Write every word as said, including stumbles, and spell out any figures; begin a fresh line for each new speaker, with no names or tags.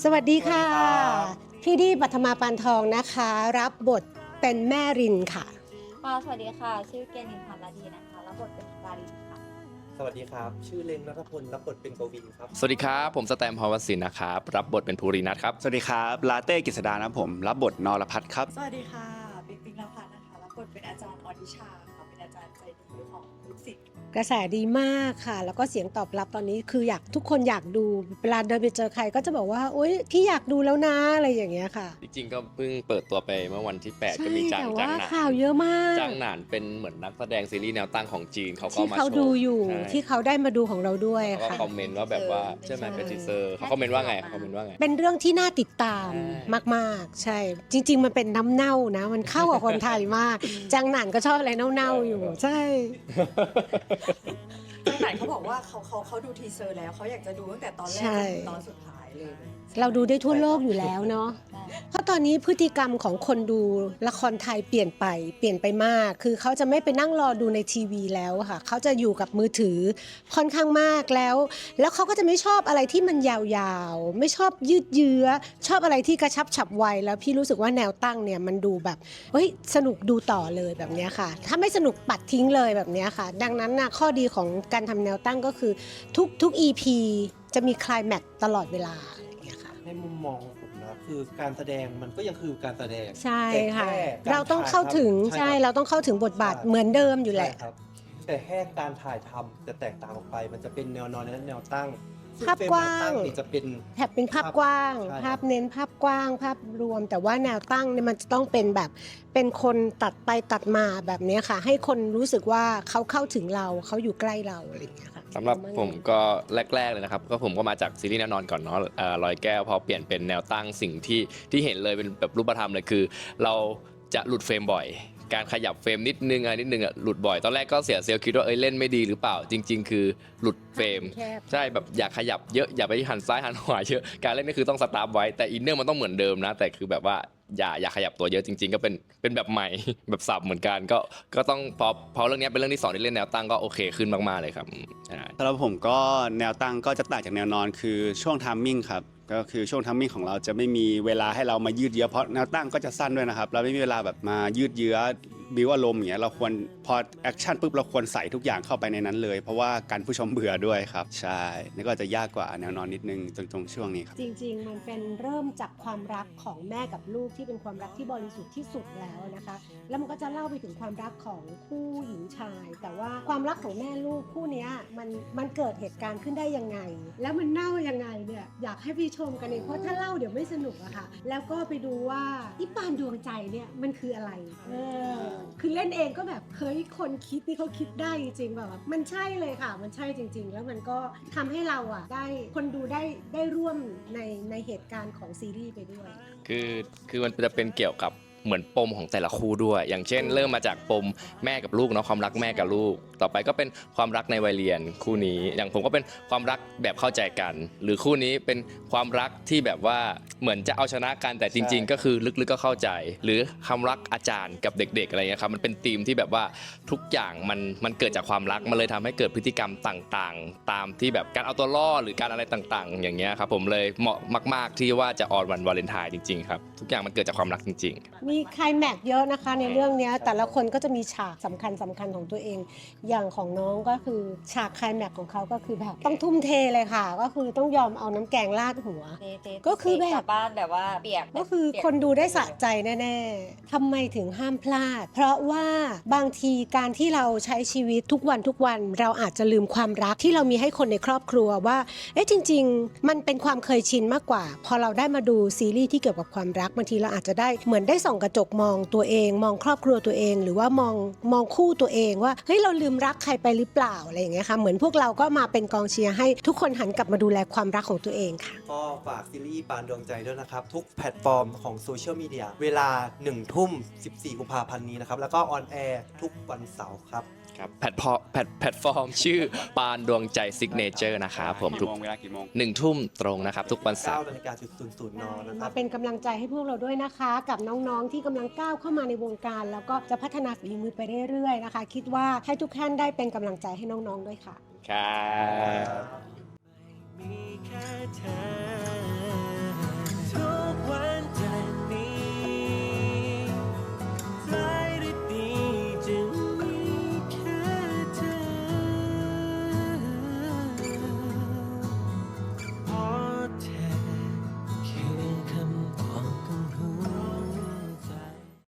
สวัสดีค่ะพี่ดีปัทมาปานทองนะคะรับบทเป็นแม่รินค่ะ
ค่ะสวัสดีค่ะชื่อเกณินพันธ์ดีนะคะรับบทเป็นดารินค่ะ
สวัสดีครับชื่อเล้งณัฐพลรับบทเป็นกวินครับ
สวัสดีครับผมสแตมภาวศิลป์นะครับรับบทเป็นภูรินัทครับ
สวัสดีครับลาเต้กฤษดานะผมรับบทนรพัฒน์ครับ
สวัสดีค่ะปิ๊งปิ๊งนภัสนะคะรับบทเป็นอาจารย์อดิชาค่ะเป็นอาจารย์ใจดีของลูกศิษย์
กระแสดีมากค่ะแล้วก็เสียงตอบรับตอนนี้คืออยากทุกคนอยากดูเวลาเดินไปเจอใครก็จะบอกว่าโอ๊ยพี่อยากดูแล้วนะอะไรอย่างเงี้ยค่ะ
จริงๆก็เพิ่งเปิดตัวไปเมื่อวันที่แปดก็
ใช่
มีจาง
แต่
จา
ว่าง
หนาน
ข่าวเยอะมาก
จางหนานเป็นเหมือนนักแสดงซีรีส์แนวตั้งของจีนเขาก็
ที่
มา
เขา
โชว์
ดูอยู่
ใช่
ที่เขาได้มาดูของเราด้วย
เขาก็
ค่ะ
คอมเมนต์ว่าแบบว่าใช่ไหมเป็นทีเซอร์เขาคอมเมนต์ว่าไงเขาคอมเมนต์ว่าไง
เป็นเรื่องที่น่าติดตามมากๆใช่จริงๆมันเป็นน้ำเน่านะมันเข้ากับคนไทยมากจังหนานก็ชอบอะไรเน่าๆอยู่ใช่
จังไหนเขาบอกว่าเขาเขาเขาดูทีเซอร์แล้วเขาอยากจะดูตั้งแต่ตอนแรก
ใช่
จนถึงตอนสุดท้ายเลย
เราดูได้ทั่วโลกอยู่แล้วเนาะ เพราะตอนนี้พฤติกรรมของคนดูละครไทยเปลี่ยนไปเปลี่ยนไปมาก คือเขาจะไม่ไปนั่งรอดูในทีวีแล้วค่ะเขาจะอยู่กับมือถือค่อนข้างมากแล้ว แล้วเขาก็จะไม่ชอบอะไรที่มันยาวๆไม่ชอบยืดเยื้อชอบอะไรที่กระชับฉับไวแล้วพี่รู้สึกว่าแนวตั้งเนี่ยมันดูแบบเฮ้ยสนุกดูต่อเลยแบบเนี้ยค่ะถ้าไม่สนุกปัดทิ้งเลยแบบเนี้ยค่ะดังนั้นนะข้อดีของการทำแนวตั้งก็คือทุกทุก อี พี จะมีไคลแม็กซ์ตลอดเวลาอย่างเงี้ยค่ะ
ในมุมมองของผมนะคือการแสดงมันก็ยังคือการแสดง
ใช่
แต่
ค่ะ
แค่
เราต้องเข้าถึง
ถ่ยทำ
ใช่
คบ
เราต้องเข้าถึงบทบาทเหมือนเดิมอยู่แหละ
ใช่ครับแต่แค่การถ่ายทำจะแตกต่างออกไป มันจะเป็นแนวนอนและแนวตั้งซึ่
ภาพกว้าง
เฟรมแนวตั้นี่จะเป็น
แถบเป็นภาพกว้าง
ใช่ครับ
ภาพเน้นภาพกว้าง ภาพรวม แต่ว่าแนวตั้งเนี่ยมันจะต้องเป็นแบบเป็นคนตัดไปตัดมาแบบเนี้ยค่ะ ให้คนรู้สึกว่าเขาเข้าถึงเราเขาอยู่ใกล้เราอะไรอย่างเงี้ยค่ะ
สำหรับผมก็แรกๆเลยนะครับก็ผมก็มาจากซีรีส์แนวนอนก่อนเนาะเอ่อลอยแก้วพอเปลี่ยนเป็นแนวตั้งสิ่งที่ที่เห็นเลยเป็นแบบรูปธรรมเลยคือ เราจะหลุดเฟรมบ่อย การขยับเฟรมนิดนึงอะไรนิดนึงอ่ะหลุดบ่อยตอนแรกก็เสียเซลล์คิดว่าเอ้ยเล่นไม่ดีหรือเปล่าจริง ๆ คือหลุดเฟรม
แคบ
ใช่แบบอย่าขยับเยอะอย่าไปหันซ้ายหันขวาเยอะการเล่นนี่คือต้องสตาร์ทไว้แต่อินเนอร์มันต้องเหมือนเดิมนะแต่คือแบบว่าอย่าอย่าขยับตัวเยอะจริง ๆ ก็เป็นเป็นแบบใหม่ แบบสับเหมือนกันก็ก็ต้องพอพอเรื่องนี้เป็นเรื่องที่สองที่เล่นแนวตั้งก็โอเคขึ้นมากๆเลยครับใช่
สำหรับผมก็แนวตั้งก็จะต่างจากแนวนอนคือช่วงไทามมิ่งครับก็คือช่วงไทามมิ่งของเราจะไม่มีเวลาให้เรามายืดเยื้อเพราะแนวตั้งก็จะสั้นด้วยนะครับเราไม่มีเวลาแบบมายืดเยื้อบิวอารมณ์อย่างเงี้ยเราควรพอแอคชั่นปุ๊บเราควรใส่ทุกอย่างเข้าไปในนั้นเลย เพราะว่าการผู้ชมเบื่อด้วยครับใช่นี่ก็จะยากกว่าแนวนอนนิดนึงตรงตรงช่วงนี้ครับ
จริงๆ มันเป็นเริ่มจากความรักของแม่กับลูกที่เป็นความรักที่บริสุทธิ์ที่สุดแล้วนะคะ แล้วมันก็จะเล่าไปถึงความรักของคู่หญิงชาย แต่ว่าความรักของแม่ลูกคู่เนี้ยมันมันเกิดเหตุการณ์ขึ้นได้ยังไง แล้วมันเน่ายังไงเนี่ยอยากให้พี่ชมกันเองเพราะถ้าเล่าเดี๋ยวไม่สนุกอะค่ะ แล้วก็ไปดูว่าอีปานดวงใจเนี่ยมันคืออะไรเออคือเล่นเองก็แบบเฮ้ยคนคิดนี่เขาคิดได้จริงๆแบบว่ามันใช่เลยค่ะ มันใช่จริง ๆ แล้วมันก็ทำให้เราอะได้คนดูได้ได้ร่วมในในเหตุการณ์ของซีรีส์ไปด้วย
คือคือมันจะเป็นเกี่ยวกับเหมือนปมของแต่ละคู่ด้วย อย่างเช่น เริ่มมาจากปมแม่กับลูกเนาะความรักแม่กับลูก ต่อไปก็เป็นความรักในวัยเรียนคู่นี้ อย่างผมก็เป็นความรักแบบเข้าใจกัน หรือคู่นี้เป็นความรักที่แบบว่าเหมือนจะเอาชนะกันแต่จริง ๆ ก็คือลึกๆก็เข้าใจ หรือความรักอาจารย์กับเด็ก ๆอะไรเงี้ยครับมันเป็นธีมที่แบบว่าทุกอย่างมันมันเกิดจากความรักมันเลยทำให้เกิดพฤติกรรมต่างๆ ตามที่แบบการเอาตัวรอดหรือการอะไรต่างๆ อย่างเงี้ยครับผมเลยเหมาะมาก ๆที่ว่าจะออนวันวาเลนไทน์จริงๆครับทุกอย่างมันเกิดจากความรักจริง ๆ
มีไคลแม็กซ์เยอะนะคะในเรื่องเนี้ยแต่ละคนก็จะมีฉากสำคัญสำคัญของตัวเอง อย่างของน้องก็คือฉากไคลแม็กซ์ของเขาก็คือแบบต้องทุ่มเทเลยค่ะ ก็คือต้องยอมเอาน้ำแกงราดหัว
เจ๊เจ๊
ก็คือแบบ
กลับ้านแบบว่าเปียก
ก็คือ
เปีย
คนดูได้สะใจแน่ๆทำไมถึงห้ามพลาด เพราะว่าบางทีการที่เราใช้ชีวิตทุกวันทุกวันเราอาจจะลืมความรักที่เรามีให้คนในครอบครัวว่าเอ๊ะจริง ๆ มันเป็นความเคยชินมากกว่า พอเราได้มาดูซีรีส์ที่เกี่ยวกับความรักบางทีเราอาจจะได้เหมือนได้ส่องกระจกมองตัวเอง มองครอบครัวตัวเอง หรือว่ามองมองคู่ตัวเองว่าเฮ้ยเราลืมรักใครไปหรือเปล่าอะไรอย่างเงี้ยค่ะเหมือนพวกเราก็มาเป็นกองเชียร์ให้ทุกคนหันกลับมาดูแลความรักของตัวเองค่ะ
ก็ฝากซีรีส์ปานดวงใจด้วยนะครับ ทุกแพลตฟอร์มของโซเชียลมีเดียเวลาหนึ่งทุ่มสิบสี่กุมภาพันธ์นี้นะครับ แล้วก็ออนแอร์ทุกวันเสาร์ครับ
ครับแพลตฟอร์มแพลตแพลตฟอร์มชื่อปานดวงใจซิกเนเจอร์นะครับผมทุ
กี่
ก
โมงเวลากี่โมง
หนึ่งทุ่มตรงนะครับทุกวันเสาร์
เก้านาฬิกาจุดศูนย์ศูนย์นนะครั
มา
บ
เป็นกำลังใจให้พวกเราด้วยนะคะ กับน้องๆที่กำลังก้าวเข้ามาในวงการ แล้วก็จะพัฒนาฝีมือไปเรื่อยๆนะคะ คิดว่าให้ทุกท่านได้เป็นกำลังใจให้น้องๆด้วยค่ะ
ครับ
มีแค่เธอ